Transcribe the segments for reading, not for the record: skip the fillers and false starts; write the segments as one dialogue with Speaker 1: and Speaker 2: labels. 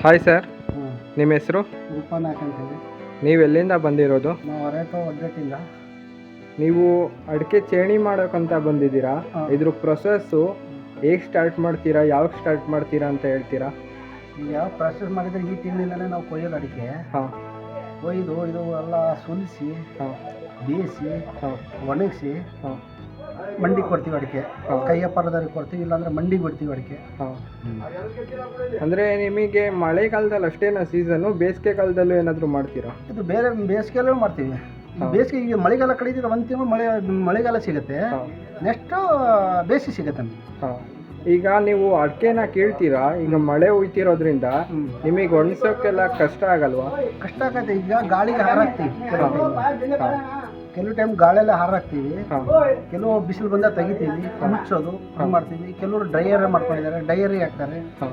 Speaker 1: Hi sir,
Speaker 2: ಹ್ಞೂ
Speaker 1: ನಿಮ್ಮ ಹೆಸರು?
Speaker 2: ರೂಪನಾಥ್ ಅಂತೇಳಿ.
Speaker 1: ನೀವು ಎಲ್ಲಿಂದ ಬಂದಿರೋದು?
Speaker 2: ನಾವು ಹೊರಟು ಒಡ್ಡಟ್ಟಿಲ್ಲ.
Speaker 1: ನೀವು ಅಡಿಕೆ ಚೇಣಿ ಮಾಡೋಕ್ಕಂತ ಬಂದಿದ್ದೀರಾ?
Speaker 2: ಹಾಂ.
Speaker 1: ಇದ್ರ ಪ್ರೊಸೆಸ್ಸು ಹೇಗೆ ಸ್ಟಾರ್ಟ್ ಮಾಡ್ತೀರಾ, ಯಾವಾಗ ಸ್ಟಾರ್ಟ್ ಮಾಡ್ತೀರಾ ಅಂತ ಹೇಳ್ತೀರಾ?
Speaker 2: ಈಗ ಯಾವ ಪ್ರಾಸೆಸ್ ಮಾಡಿದರೆ ಈ ತಿಂಗಳಿಂದಲೇ ನಾವು ಕೊಯ್ಯೋದು ಅಡಿಕೆ.
Speaker 1: ಹಾಂ
Speaker 2: ಕೊಯ್ದು ಇದು ಎಲ್ಲ ಸುಲಿಸಿ
Speaker 1: ಹಾಂ
Speaker 2: ಬೇಯಿಸಿ
Speaker 1: ಹಾಂ
Speaker 2: ಒಣಗಿಸಿ
Speaker 1: ಹಾಂ
Speaker 2: ಮಂಡಿಗೆ ಕೊಡ್ತೀವಿ ಅಡಿಕೆ.
Speaker 1: ಹಾಂ.
Speaker 2: ಕೈಯ ಪರದವ್ರಿಗೆ ಕೊಡ್ತೀವಿ, ಇಲ್ಲಾಂದರೆ ಮಂಡಿಗೆ ಬಿಡ್ತೀವಿ ಅಡಿಕೆ.
Speaker 1: ಹಾಂ. ಅಂದರೆ ನಿಮಗೆ ಮಳೆಗಾಲದಲ್ಲಿ ಅಷ್ಟೇನಾ ಸೀಸನ್ನು, ಬೇಸಿಗೆ ಕಾಲದಲ್ಲೂ ಏನಾದರೂ ಮಾಡ್ತೀರಾ?
Speaker 2: ಇದು ಬೇರೆ ಬೇಸಿಗೆಯಲ್ಲೂ ಮಾಡ್ತೀವಿ.
Speaker 1: ಹಾಂ.
Speaker 2: ಬೇಸಿಗೆ ಈಗ ಮಳೆಗಾಲ ಕಡಿದ್ರೆ ಒಂದು ತಿಂಗಳು ಮಳೆಗಾಲ ಸಿಗುತ್ತೆ,
Speaker 1: ಹಾಂ
Speaker 2: ನೆಕ್ಸ್ಟು ಬೇಸಿಗೆ ಸಿಗುತ್ತೆ ನಮಗೆ.
Speaker 1: ಹಾಂ. ಈಗ ನೀವು ಅಡಿಕೆನ ಕೀಳ್ತೀರಾ, ಈಗ ಮಳೆ ಹುಯ್ತಿರೋದ್ರಿಂದ ನಿಮಗೆ ಒಣಸೋಕ್ಕೆಲ್ಲ ಕಷ್ಟ ಆಗಲ್ವಾ?
Speaker 2: ಕಷ್ಟ ಆಗತ್ತೆ. ಈಗ ಗಾಳಿಗೆ ಹಾರಾಕ್ತೀವಿ
Speaker 1: ಹಾಂ.
Speaker 2: ಕೆಲವು ಟೈಮ್ ಗಾಳಿಯೆಲ್ಲ ಹಾರಾಕ್ತೀವಿ,
Speaker 1: ಹಾಂ
Speaker 2: ಕೆಲವು ಬಿಸಿಲು ಬಂದಾಗ ತೆಗಿತೀವಿ, ಮುಚ್ಚೋದು ಹಂಗೆ ಮಾಡ್ತೀವಿ. ಕೆಲವರು ಡ್ರೈಯರ್ ಮಾಡ್ಕೊಂಡಿದ್ದಾರೆ, ಡೈಯರಿ ಹಾಕ್ತಾರೆ.
Speaker 1: ಹಾಂ.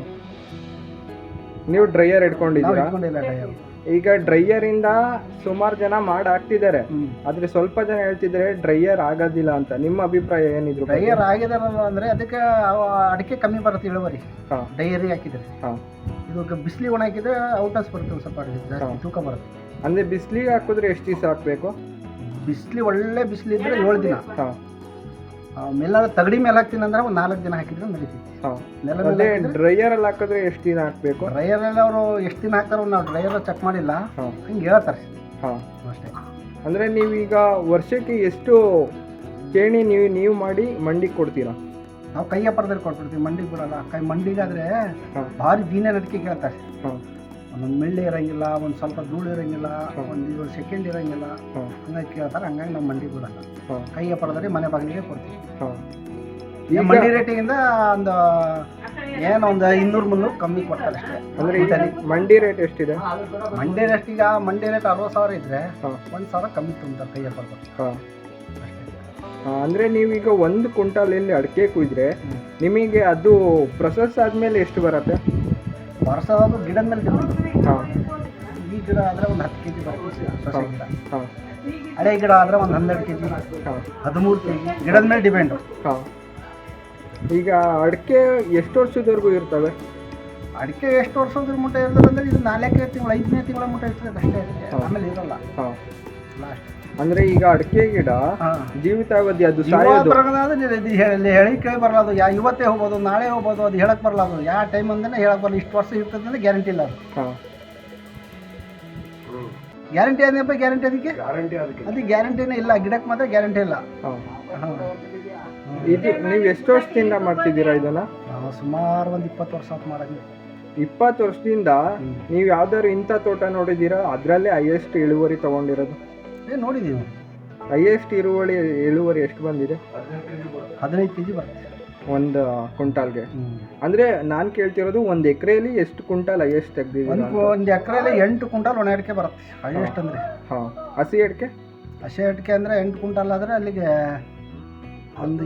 Speaker 1: ನೀವು ಡ್ರೈಯರ್
Speaker 2: ನಾವು
Speaker 1: ಇಟ್ಕೊಂಡಿದ್ದೀರಾ?
Speaker 2: ಇಟ್ಕೊಂಡಿಲ್ಲ ಡ್ರೈಯರ್.
Speaker 1: ಈಗ ಡ್ರೈಯರಿಂದ ಸುಮಾರು ಜನ ಮಾಡಿ ಹಾಕ್ತಿದ್ದಾರೆ, ಆದರೆ ಸ್ವಲ್ಪ ಜನ ಹೇಳ್ತಿದ್ದಾರೆ ಡ್ರೈಯರ್ ಆಗೋದಿಲ್ಲ ಅಂತ. ನಿಮ್ಮ ಅಭಿಪ್ರಾಯ ಏನಿದ್ರು?
Speaker 2: ಡ್ರೈಯರ್ ಆಗಿದಾರಲ್ಲ ಅಂದರೆ ಅದಕ್ಕೆ ಅಡಿಕೆ ಕಮ್ಮಿ ಬರುತ್ತೆ ಇಳುವರಿ.
Speaker 1: ಹಾಂ
Speaker 2: ಡೈಯರಿ ಹಾಕಿದರೆ
Speaker 1: ಹಾಂ.
Speaker 2: ಇದು ಬಿಸಿಲಿಗೆ ಒಣ ಹಾಕಿದ್ರೆ ಔಟರ್ಸ್ ಬರುತ್ತೆ, ಒಂದು ಸ್ವಲ್ಪ ಅಡಿಕೆ ಜಾಸ್ತಿ
Speaker 1: ಹಾಂ.
Speaker 2: ತೂಕ ಬರುತ್ತೆ.
Speaker 1: ಅಂದರೆ ಬಿಸಿಲಿಗೆ ಹಾಕಿದ್ರೆ ಎಷ್ಟು ದಿವಸ ಹಾಕಬೇಕು?
Speaker 2: ಒಳ್ಳೆ ಬಿಸಿಲಿದ್ರೆ 7 ದಿನ.
Speaker 1: ಹಾಂ
Speaker 2: ಮೇಲೆ ತಗಡಿ ಮೇಲೆ ಹಾಕ್ತೀನಿ ಅಂದ್ರೆ ಒಂದು 4 ದಿನ ಹಾಕಿದ್ರೆ ನಡೀತೈತಿ.
Speaker 1: ಹಾಂ.
Speaker 2: ನೆಲ
Speaker 1: ಅದೇ
Speaker 2: ಮೇಲೆ
Speaker 1: ಡ್ರೈಯರಲ್ಲಿ ಹಾಕಿದ್ರೆ ಎಷ್ಟು ದಿನ ಹಾಕಬೇಕು?
Speaker 2: ಡ್ರೈಯರಲ್ಲಿ ಅವರು ಎಷ್ಟು ದಿನ ಹಾಕ್ತಾರೋ ನಾವು ಡ್ರೈಯರ್ ಚೆಕ್ ಮಾಡಿಲ್ಲ,
Speaker 1: ಹಾಂ
Speaker 2: ಹಿಂಗೆ ಹೇಳ್ತಾರೆ
Speaker 1: ಹಾಂ.
Speaker 2: ಅಷ್ಟೇ.
Speaker 1: ಅಂದರೆ ನೀವೀಗ ವರ್ಷಕ್ಕೆ ಎಷ್ಟು ಚೇಣಿ ನೀವು ಮಾಡಿ ಮಂಡಿಗೆ ಕೊಡ್ತೀರಾ?
Speaker 2: ನಾವು ಕೈಯ ಪರದಲ್ಲಿ ಕೊಟ್ಬಿಡ್ತೀವಿ, ಮಂಡಿಗೆ ಬಿಡಲ್ಲ. ಮಂಡಿಗಾದರೆ
Speaker 1: ಹಾಂ
Speaker 2: ಭಾರಿ ದೀನ ನಟಿಕೆ ಕೇಳ್ತಾರೆ.
Speaker 1: ಹಾಂ
Speaker 2: ಒಂದೊಂದು ಮೆಳ್ಳೆ ಇರೋಂಗಿಲ್ಲ, ಒಂದು ಸ್ವಲ್ಪ ಧೂಳು ಇರೋಂಗಿಲ್ಲ, ಒಂದು ಸೆಕೆಂಡ್ ಇರೋಂಗಿಲ್ಲ,
Speaker 1: ಹಾಂ
Speaker 2: ಹಂಗಾಗಿ ಕೇಳ್ತಾರೆ. ಹಂಗಾಗಿ ನಾವು ಮಂಡಿಗೆ ಬಿಡಲ್ಲ,
Speaker 1: ಹಾಂ
Speaker 2: ಕೈಯ ಪರದಲ್ಲಿ ಮನೆ ಬಾಗಿಲಿಗೆ ಕೊಡ್ತೀವಿ.
Speaker 1: ಹಾಂ.
Speaker 2: ಈಗ ಮಂಡಿ ರೇಟಿಗಿಂದ ಒಂದು ಏನೋ ಒಂದು 200-300 ಕಮ್ಮಿ ಕೊಡ್ತಾರೆ ಅಷ್ಟೇ.
Speaker 1: ಅಂದರೆ ಈಗ ಮಂಡಿ ರೇಟ್ ಎಷ್ಟಿದೆ?
Speaker 2: ಮಂಡಿ ರೇಟ್ ಈಗ ಮಂಡಿ ರೇಟ್ 60,000 ಇದ್ದರೆ
Speaker 1: ಹಾಂ
Speaker 2: 1,000 ಕಮ್ಮಿ ತುಂಬ್ತಾರೆ ಕೈಯ ಪರದಲ್ಲಿ
Speaker 1: ಹಾಂ.
Speaker 2: ಅಷ್ಟೇ.
Speaker 1: ಅಂದರೆ ನೀವೀಗ 1 ಕ್ವಿಂಟಾಲಲ್ಲಿ ಅಡಿಕೆ ಕುಯ್ದರೆ ನಿಮಗೆ ಅದು ಪ್ರೊಸೆಸ್ ಆದಮೇಲೆ ಎಷ್ಟು ಬರುತ್ತೆ?
Speaker 2: ವರ್ಷ ಅದು ಗಿಡದ ಮೇಲೆ ಡಿಪೆಂಡ್.
Speaker 1: ಹಾಂ
Speaker 2: ಈ ಗಿಡ ಆದರೆ ಒಂದು 10 kg ಬರುತ್ತೆ, ಸೊಸೆ ಗಿಡ.
Speaker 1: ಹಾಂ
Speaker 2: ಹಳೆ ಗಿಡ ಆದರೆ ಒಂದು 12 kg,
Speaker 1: ಹಾಂ
Speaker 2: 13 kg, ಗಿಡದ ಮೇಲೆ ಡಿಪೆಂಡು.
Speaker 1: ಹಾಂ. ಈಗ ಅಡಿಕೆ ಎಷ್ಟು ವರ್ಷದವರೆಗೂ ಇರ್ತವೆ?
Speaker 2: ಅಡಿಕೆ ಎಷ್ಟು ವರ್ಷದ ಮುಟ್ಟ ಇರ್ತದೆ ಅಂದರೆ ಇದು 4ನೇ ತಿಂಗಳು 5ನೇ ತಿಂಗಳ ಮುಟ್ಟ ಇರ್ತದೆ ಅಷ್ಟೇ. ಆಮೇಲೆ ಇರಲ್ಲ
Speaker 1: ಹಾಂ.
Speaker 2: ಲಾಸ್ಟ್.
Speaker 1: ಅಂದರೆ ಈಗ ಅಡಿಕೆ ಗಿಡ
Speaker 2: ಹಾಂ
Speaker 1: ಜೀವಿತಾವಧಿ ಅದು ಸಾಯೋದು
Speaker 2: ಹೇಳಿ ಕೇಳಿ ಬರಲ್ಲ. ಇವತ್ತೇ ಹೋಗ್ಬೋದು, ನಾಳೆ ಹೋಗ್ಬೋದು, ಅದು ಹೇಳಕ್ಕೆ ಬರಲ್ಲ. ಅದು ಯಾವ ಟೈಮ್ ಅಂದ್ರೆ ಹೇಳಕ್ಕೆ ಬರಲ್ಲ. ಇಷ್ಟು ವರ್ಷ ಇರ್ತದೆ ಅಂದರೆ ಗ್ಯಾರಂಟಿ ಇಲ್ಲ ಅದು.
Speaker 1: ಹಾಂ.
Speaker 2: ಗ್ಯಾರಂಟಿ ಅದಪ್ಪ, ಗ್ಯಾರಂಟಿ ಅದಕ್ಕೆ ಅದಕ್ಕೆ ಗ್ಯಾರಂಟಿನೇ ಇಲ್ಲ. ಗಿಡಕ್ಕೆ ಮಾತ್ರ ಗ್ಯಾರಂಟಿ ಇಲ್ಲ.
Speaker 1: ಹಾಂ.
Speaker 2: ಹಾಂ.
Speaker 1: ಇದು ನೀವು ಎಷ್ಟು ವರ್ಷದಿಂದ ಮಾಡ್ತಿದ್ದೀರಾ ಇದನ್ನು?
Speaker 2: ನಾವು ಸುಮಾರು ಒಂದು 20 ವರ್ಷ ಆತು ಮಾಡೋದು.
Speaker 1: 20 ವರ್ಷದಿಂದ ನೀವು ಯಾವ್ದಾದ್ರು ಇಂಥ ತೋಟ ನೋಡಿದ್ದೀರಾ ಅದರಲ್ಲೇ ಹೈಯೆಸ್ಟ್ ಇಳುವರಿ ತೊಗೊಂಡಿರೋದು?
Speaker 2: ನೋಡಿದ್ದೀವಿ.
Speaker 1: ಹೈಯೆಸ್ಟ್ ಇಳುವರಿ ಎಷ್ಟು ಬಂದಿದೆ?
Speaker 2: 15 kg ಬರುತ್ತೆ
Speaker 1: ಒಂದು ಕ್ವಿಂಟಾಲ್ಗೆ. ಅಂದರೆ ನಾನು ಕೇಳ್ತಿರೋದು ಒಂದು ಎಕರೆಯಲ್ಲಿ ಎಷ್ಟು ಕ್ವಿಂಟಾಲ್ ಹೈಯೆಸ್ಟ್ ತೆಗ್ದಿದ್ದೀರಾ?
Speaker 2: ಒಂದು ಎಕರೆಯಲ್ಲಿ 8 ಕ್ವಿಂಟಾಲ್ ಒಣ ಅಡಿಕೆ ಬರುತ್ತೆ ಹೈಯೆಸ್ಟ್ ಅಂದರೆ.
Speaker 1: ಹಾಂ. ಹಸಿ ಅಡಿಕೆ?
Speaker 2: ಹಸಿ ಅಡಿಕೆ ಅಂದರೆ 8 ಕ್ವಿಂಟಾಲ್ ಆದರೆ ಅಲ್ಲಿಗೆ ಒಂದು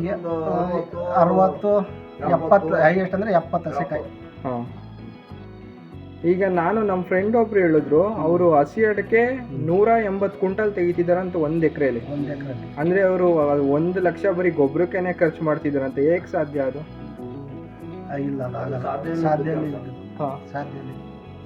Speaker 2: 60 70 ಹೈಯೆಸ್ಟ್ ಅಂದರೆ 70 ಹಸಿಕಾಯಿ.
Speaker 1: ಹಾಂ. ಈಗ ನಾನು ನಮ್ಮ ಫ್ರೆಂಡ್ ಒಬ್ರು ಹೇಳಿದ್ರು, ಅವರು ಹಸಿ ಅಡಿಕೆ 180 ಕ್ವಿಂಟಲ್ ತೆಗಿತಿದಾರಂತ ಒಂದು ಎಕರೆಯಲ್ಲಿ.
Speaker 2: ಒಂದು ಎಕರೆಯಲ್ಲಿ
Speaker 1: ಅಂದರೆ ಅವರು 1 ಲಕ್ಷ ಬರೀ ಗೊಬ್ಬರಕ್ಕೇನೆ ಖರ್ಚು ಮಾಡ್ತಿದ್ದಾರಂತೆ. ಹೇಗೆ ಸಾಧ್ಯ ಅದು?
Speaker 2: ಇಲ್ಲ, ಅದು ಸಾಧ್ಯ ಇಲ್ಲ.
Speaker 1: ಹಾಂ
Speaker 2: ಸಾಧ್ಯ ಇಲ್ಲ.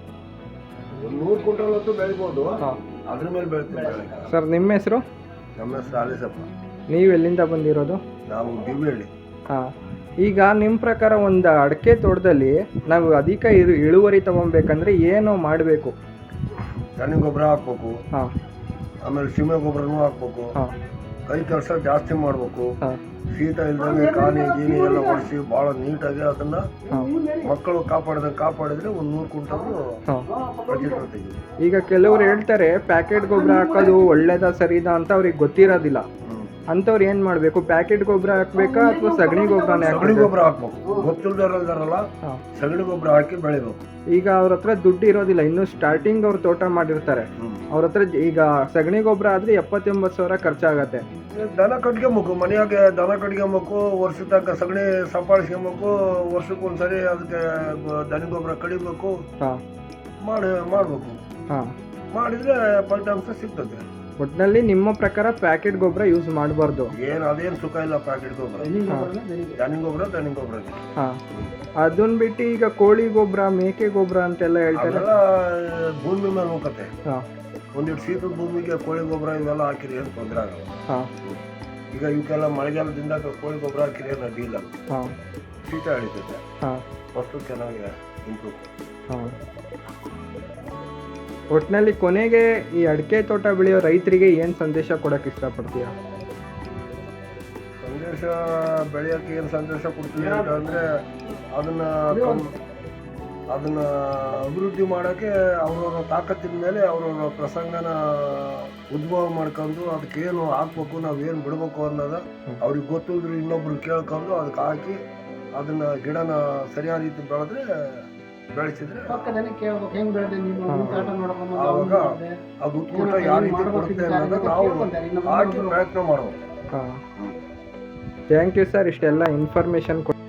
Speaker 3: 100 ಕ್ವಿಂಟಲ್ ಹೊತ್ತು ಬೆಳಿಬೋದು,
Speaker 1: ಹಾಂ.
Speaker 3: ಅದ್ರ ಮೇಲೆ ಬೆಳಿತೀವಿ.
Speaker 1: ಸರ್, ನಿಮ್ಮ ಹೆಸರು?
Speaker 3: ನಮ್ಮ ಹೆಸರು ಆಲಿಸಪ್ಪ.
Speaker 1: ನೀವು ಎಲ್ಲಿಂದ ಬಂದಿರೋದು?
Speaker 3: ನಾವು ಗಿವಿಹಳ್ಳಿ.
Speaker 1: ಹಾಂ. ಈಗ ನಿಮ್ಮ ಪ್ರಕಾರ ಒಂದು ಅಡಿಕೆ ತೋಟದಲ್ಲಿ ನಾವು ಅಧಿಕ ಇಳುವರಿ ತೊಗೊಬೇಕಂದ್ರೆ ಏನು ಮಾಡಬೇಕು?
Speaker 3: ದನಿ ಗೊಬ್ಬರ ಹಾಕ್ಬೇಕು,
Speaker 1: ಹಾಂ
Speaker 3: ಆಮೇಲೆ ಸೀಮೆ ಗೊಬ್ಬರನೂ ಹಾಕ್ಬೇಕು,
Speaker 1: ಹಾಂ
Speaker 3: ಕೈ ಕೆಲಸ ಜಾಸ್ತಿ ಮಾಡಬೇಕು,
Speaker 1: ಹಾಂ
Speaker 3: ಶೀತ ಇಲ್ದಂಗೆ ಕಾನಿ ಗೀನಿ ಎಲ್ಲ ಒಡಿಸಿ ಭಾಳ ನೀಟಾಗಿ ಅದನ್ನ
Speaker 1: ಹಾಂ
Speaker 3: ಮಕ್ಕಳು ಕಾಪಾಡಿದ್ರೆ ಒಂದು 100 ಕ್ವಿಂಟಲ್
Speaker 1: ಹಾಂ.
Speaker 3: ಪ್ರತಿಫಲ ತೆಗಿತೀವಿ.
Speaker 1: ಈಗ ಕೆಲವರು ಹೇಳ್ತಾರೆ ಪ್ಯಾಕೆಟ್ ಗೊಬ್ಬರ ಹಾಕೋದು ಒಳ್ಳೇದಾ ಸರಿದಾ ಅಂತ ಅವ್ರಿಗೆ ಗೊತ್ತಿರೋದಿಲ್ಲ. ಅಂಥವ್ರು ಏನು ಮಾಡಬೇಕು? ಪ್ಯಾಕೆಟ್ ಗೊಬ್ಬರ ಹಾಕ್ಬೇಕಾ ಅಥವಾ ಸಗಣಿ ಗೊಬ್ಬರನೇ
Speaker 3: ಸಗಣಿ
Speaker 1: ಹಾಕಬೇಕು?
Speaker 3: ಗೊಬ್ಬರ ಹಾಕ್ಬೇಕು. ಗೊತ್ತಿಲ್ದಾರಲ್ಲ
Speaker 1: ಹಾಂ.
Speaker 3: ಸಗಣಿ ಗೊಬ್ಬರ ಹಾಕಿ ಬೆಳಿಬೇಕು.
Speaker 1: ಈಗ ಅವ್ರ ಹತ್ರ ದುಡ್ಡು ಇರೋದಿಲ್ಲ, ಇನ್ನು ಸ್ಟಾರ್ಟಿಂಗ್ ಅವ್ರು ತೋಟ ಮಾಡಿರ್ತಾರೆ. ಅವ್ರ ಹತ್ರ ಈಗ ಸಗಣಿ ಗೊಬ್ಬರ ಆದರೆ 70-80 ಸಾವಿರ ಖರ್ಚಾಗತ್ತೆ.
Speaker 3: ದನ ಕಟ್ಕೊಬೇಕು, ಮನೆಯಾಗೆ ದನ ಕಟ್ಕೊಬೇಕು, ವರ್ಷದ ತನಕ ಸಗಣಿ ಸಂಪಾದಿಸ್ಕೊಬೇಕು, ವರ್ಷಕ್ಕೆ ಒಂದ್ಸರಿ ಅದಕ್ಕೆ ದನ ಗೊಬ್ಬರ ಕಡಿಬೇಕು,
Speaker 1: ಹಾಂ
Speaker 3: ಮಾಡಬೇಕು.
Speaker 1: ಹಾಂ
Speaker 3: ಮಾಡಿದರೆ ಫಲಿತಾಂಶ ಸಿಗ್ತದೆ.
Speaker 1: ಒಟ್ಟಿನಲ್ಲಿ ನಿಮ್ಮ ಪ್ರಕಾರ ಪ್ಯಾಕೆಟ್ ಗೊಬ್ಬರ ಯೂಸ್ ಮಾಡಬಾರ್ದು.
Speaker 3: ಏನು ಅದೇನು ಸುಖ ಇಲ್ಲ ಪ್ಯಾಕೆಟ್ ಗೊಬ್ಬರ. ದನಿಂಗ್ ಗೊಬ್ಬರ
Speaker 1: ಹಾಂ, ಅದನ್ನ ಬಿಟ್ಟು ಈಗ ಕೋಳಿ ಗೊಬ್ಬರ, ಮೇಕೆ ಗೊಬ್ಬರ ಅಂತೆಲ್ಲ ಹೇಳ್ತಾರೆ.
Speaker 3: ಅದೆಲ್ಲ ಭೂಮಿ ಮೇಲೆ ಹೋಗತ್ತೆ.
Speaker 1: ಹಾಂ
Speaker 3: ಒಂದಿಟ್ಟು ಶೀತದ ಭೂಮಿಗೆ ಕೋಳಿ ಗೊಬ್ಬರ ಇವೆಲ್ಲ ಹಾಕಿರಿ ಏನು ತೊಂದರೆ ಆಗಲ್ಲ.
Speaker 1: ಹಾಂ
Speaker 3: ಈಗ ಇವಕ್ಕೆಲ್ಲ ಮಳೆಗಾಲದಿಂದ ಕೋಳಿ ಗೊಬ್ಬರ ಹಾಕಿರಿ ಏನು ಅಡ್ಡಿ ಇಲ್ಲ.
Speaker 1: ಹಾಂ
Speaker 3: ಶೀತ ಹಿಡಿತೈತೆ,
Speaker 1: ಹಾಂ
Speaker 3: ಫಸ್ಟು ಚೆನ್ನಾಗಿ ಇಂಪ್ರೂವ್.
Speaker 1: ಹಾಂ. ಒಟ್ಟಿನಲ್ಲಿ ಕೊನೆಗೆ ಈ ಅಡಿಕೆ ತೋಟ ಬೆಳೆಯೋ ರೈತರಿಗೆ ಏನು ಸಂದೇಶ ಕೊಡೋಕೆ ಇಷ್ಟಪಡ್ತೀಯಾ?
Speaker 3: ಸಂದೇಶ ಬೆಳೆಯೋಕ್ಕೆ ಏನು ಸಂದೇಶ ಕೊಡ್ತೀವಿ ಅಂತಂದರೆ ಅದನ್ನು ಅಭಿವೃದ್ಧಿ ಮಾಡೋಕ್ಕೆ ಅವ್ರವ್ರ ತಾಕತ್ತಿನ ಮೇಲೆ ಅವ್ರವ್ರ ಪ್ರಸಂಗನ ಉದ್ಭವ ಮಾಡ್ಕೊಂಡು ಅದಕ್ಕೇನು ಹಾಕ್ಬೇಕು, ನಾವೇನು ಬಿಡಬೇಕು ಅನ್ನೋದು ಅವ್ರಿಗೆ ಗೊತ್ತಿದ್ರು ಇನ್ನೊಬ್ರು ಕೇಳ್ಕೊಂಡು ಅದಕ್ಕೆ ಹಾಕಿ ಅದನ್ನು ಗಿಡನ ಸರಿಯಾದ ರೀತಿ ಬೆಳೆಸಿದ್ರೆ ಆವಾಗ ಅದು ಉತ್ಕೃಷ್ಟ ಯಾವ ರೀತಿ ಕೊಡುತ್ತೆ ಅನ್ನೋದನ್ನ ನಾವು ಹಾಕಿ ಪ್ರಯತ್ನ ಮಾಡ್ಬೇಕು.
Speaker 1: ಹಾಂ, ಥ್ಯಾಂಕ್ ಯು ಸರ್, ಇಷ್ಟೆಲ್ಲ ಇನ್ಫಾರ್ಮೇಷನ್